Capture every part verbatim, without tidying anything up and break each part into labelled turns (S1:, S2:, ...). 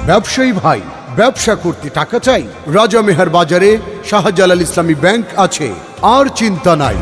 S1: ব্যবসায়ী ভাই, ব্যবসা করতে টাকা চাই? রাজা মেহার বাজারে শাহজালাল ইসলামী ব্যাংক আছে, আর চিন্তা নাই।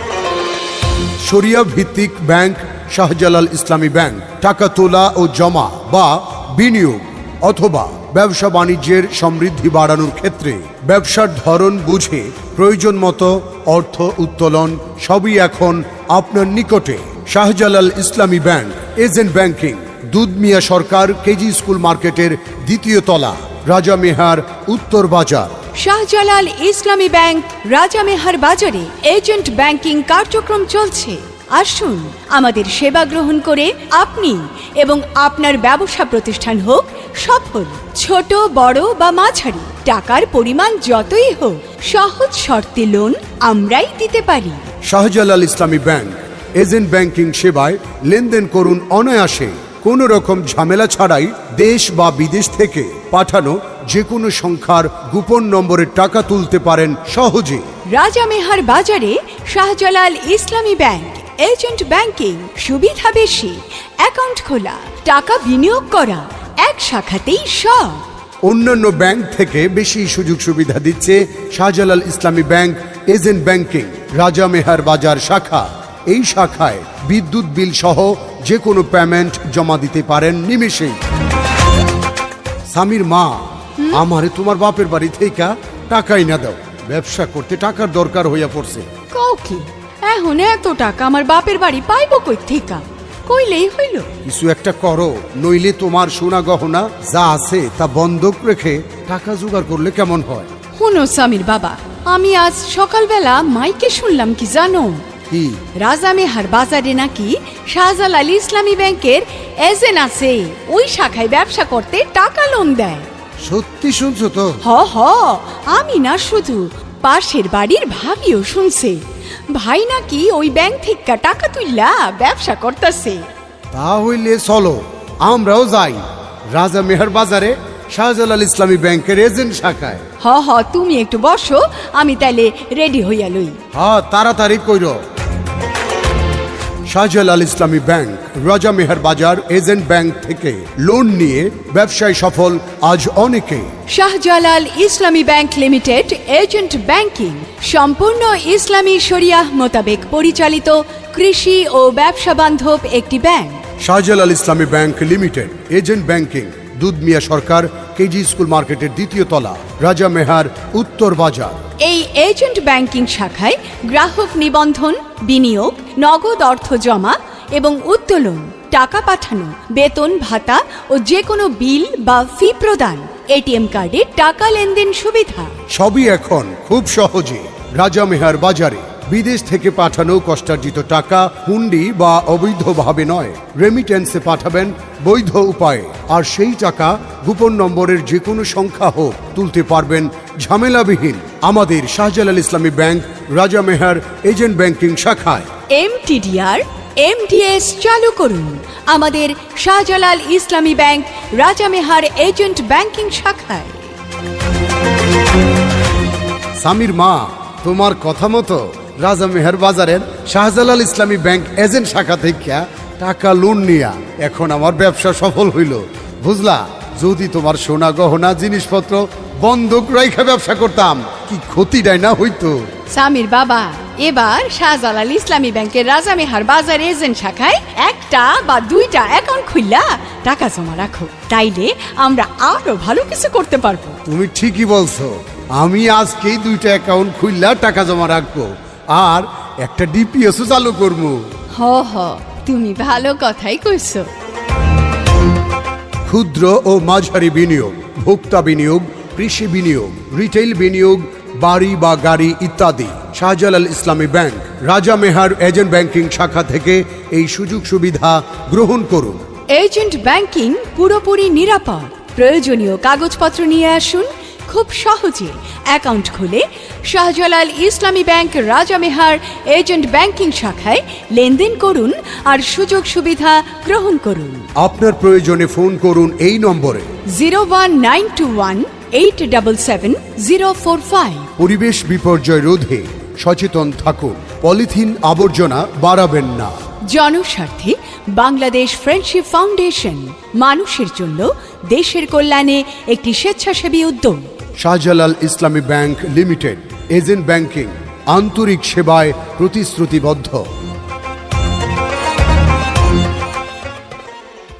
S1: শরিয়া ভিত্তিক ব্যাংক শাহজালাল ইসলামী ব্যাংক। টাকা তোলা ও জমা বা বিনিয়োগ অথবা ব্যবসা বাণিজ্যের সমৃদ্ধি বাড়ানোর ক্ষেত্রে ব্যবসার ধরন বুঝে প্রয়োজন মতো অর্থ উত্তোলন সবই এখন আপনার নিকটে। Shahjalal Islami bank agent banking, Dudhmia Sarkar KG school মার্কেটের দ্বিতীয় তলা, রাজা মেহার, উত্তর বাজার।
S2: শাহজালাল ইসলামী ব্যাংক রাজা মেহার বাজারে এজেন্ট ব্যাংকিং কার্যক্রম চলছে। আসুন আমাদের সেবা গ্রহণ করে আপনি এবং আপনার ব্যবসা প্রতিষ্ঠান হোক সফল। ছোট বড় বা মাঝারি টাকার পরিমাণ যতই হোক, সহজ শর্তে লোন আমরাই দিতে পারি।
S1: Shahjalal Islami bank agent banking সেবায় লেনদেন করুন অনায়াসে, কোনো রকম ঝামেলা ছাড়াই। দেশ বা বিদেশ থেকে পাঠানো যে কোনো সংখ্যার গোপন নম্বরে টাকা তুলতে পারেন সহজে।
S2: রাজা মেহার বাজারে Shahjalal Islami bank agent banking, সুবিধা বেশি, অ্যাকাউন্ট খোলা, টাকা বিনিয়োগ করা, এক শাখাতেই সব।
S1: অন্যান্য ব্যাংক থেকে বেশি সুযোগ সুবিধা দিচ্ছে Shahjalal Islami bank agent banking রাজা মেহার বাজার শাখা। এই শাখায় বিদ্যুৎ বিল সহ যে কোনো পেমেন্ট জমা দিতে পারেন নিমেষেই। স্বামীর মা, আমারে তোমার বাপের বাড়ি থেকে টাকাই না দাও, ব্যবসা করতে টাকার দরকার হইয়া পড়ছে।
S2: কও কি এখন এত টাকা আমার বাপের বাড়ি পাইব কই থেকে? কইলেই হইল।
S1: কিছু একটা করো, নইলে তোমার সোনা গহনা যা আছে তা বন্ধক রেখে টাকা জোগাড় করলে কেমন হয়?
S2: শুনো স্বামীর বাবা, আমি আজ সকালবেলা মাইকে শুনলাম কি জানো,
S1: কি?
S2: রাজা মেহার বাজারে নাকি শাহজালাল ইসলামী ব্যাংকের এজেন্ট আছে, ওই শাখায় ব্যবসা করতে টাকা লোন দেয়।
S1: সত্যি শুনছো তো?
S2: হ হ, আমি না শুধু, পাশের বাড়ির ভাবিও শুনছে। ভাই নাকি ওই ব্যাংক থেকে টাকা তুইলা ব্যবসা করতেছে।
S1: তা হইলে চলো আমরাও যাই রাজা মেহার বাজারে শাহজালাল ইসলামী ব্যাংকের এজেন্ট শাখায়।
S2: হ হ, তুমি একটু বসো, আমি তাইলে রেডি হইয়া লই।
S1: হ্যাঁ, তাড়াতাড়ি কইর। শাহজালাল ইসলামী ব্যাংক রাজা মেহার বাজার এজেন্ট ব্যাংক থেকে লোন নিয়ে ব্যবসায় সফল আজ অনেকে।
S2: Shahjalal Islami bank limited agent banking সম্পূর্ণ ইসলামী শরিয়াহ মোতাবেক পরিচালিত কৃষি ও ব্যবসা বান্ধব একটি bank.
S1: Shahjalal Islami bank limited agent banking, Dudhmia Sarkar KG school মার্কেটের দ্বিতীয় তলা, রাজা মেহার, উত্তর বাজার।
S2: এই এজেন্ট ব্যাংকিং শাখায় গ্রাহক নিবন্ধন, বিনিয়োগ, নগদ অর্থ জমা এবং উত্তোলন, টাকা পাঠানো, বেতন ভাতা ও যে কোনো বিল বা ফি প্রদান, এটিএম কার্ডে টাকা লেনদেন সুবিধা
S1: সবই এখন খুব সহজে রাজা মেহার বাজারে। বিদেশ থেকে পাঠানো কষ্টার্জিত টাকা হুন্ডি বা অবৈধভাবে নয়, রেমিটেন্সে পাঠাবেন বৈধ উপায়ে। আর সেই টাকা গোপন নম্বরের যে কোনো সংখ্যা হোক তুলতে পারবেন ঝামেলাবিহীন আমাদের Shahjalal Islami bank Raja Mehar agent banking শাখায়।
S2: এমটিডিআর এমডিএস চালু করুন আমাদের Shahjalal Islami bank Raja Mehar agent banking শাখায়।
S1: স্বামীর মা, তোমার কথা মতো রাজা মেহার বাজারের শাহজালাল ইসলামী ব্যাংক এজেন্ট শাখা থেকে টাকা লোন নিয়া এখন আমার ব্যবসা সফল হইল, বুঝলা? যদি তোমার সোনা গহনা জিনিসপত্র বন্ধক রাইখা ব্যবসা করতাম, কি ক্ষতিটাই না হইতো।
S2: স্বামীর বাবা, এবার শাহজালাল ইসলামী ব্যাংকের রাজা মেহার বাজার এজেন্ট শাখায় একটা বা দুইটা অ্যাকাউন্ট খুললা টাকা জমা রাখো, তাইলে আমরা আরো ভালো কিছু করতে পারবো।
S1: তুমি ঠিকই বলছো, আমি আজকেই দুইটা অ্যাকাউন্ট খুললা টাকা জমা রাখবো আর একটা ডিপিএসও চালু করবো।
S2: হ হ, তুমি ভালো কথাই কইছো।
S1: ক্ষুদ্র ও মাঝারি বিনিয়োগ, ভোক্তা বিনিয়োগ, কৃষি বিনিয়োগ, রিটেইল বিনিয়োগ, বাড়ি বা গাড়ি ইত্যাদি Shahjalal Islami bank Raja Mehar agent banking শাখা থেকে এই সুযোগ সুবিধা গ্রহণ করুন।
S2: এজেন্ট ব্যাংকিং পুরোপুরি নিরাপদ। প্রয়োজনীয় কাগজপত্র নিয়ে আসুন, খুব সহজে অ্যাকাউন্ট খুলে Shahjalal Islami bank Raja Mehar agent banking শাখায় লেনদেন করুন আর সুযোগ সুবিধা গ্রহণ করুন।
S1: আপনার প্রয়োজনে ফোন করুন এই নম্বরে
S2: zero one nine two one eight double seven zero four five.
S1: পরিবেশ বিপর্যয় রোধে সচেতন থাকুন, পলিথিন আবর্জনা বাড়াবেন না।
S2: জনস্বার্থে বাংলাদেশ ফ্রেন্ডশিপ ফাউন্ডেশন, মানুষের জন্য দেশের কল্যাণে একটি স্বেচ্ছাসেবী উদ্যোগ।
S1: Shahjalal Islami bank limited, agent banking, আন্তরিক সেবায় প্রতিশ্রুতিবদ্ধ।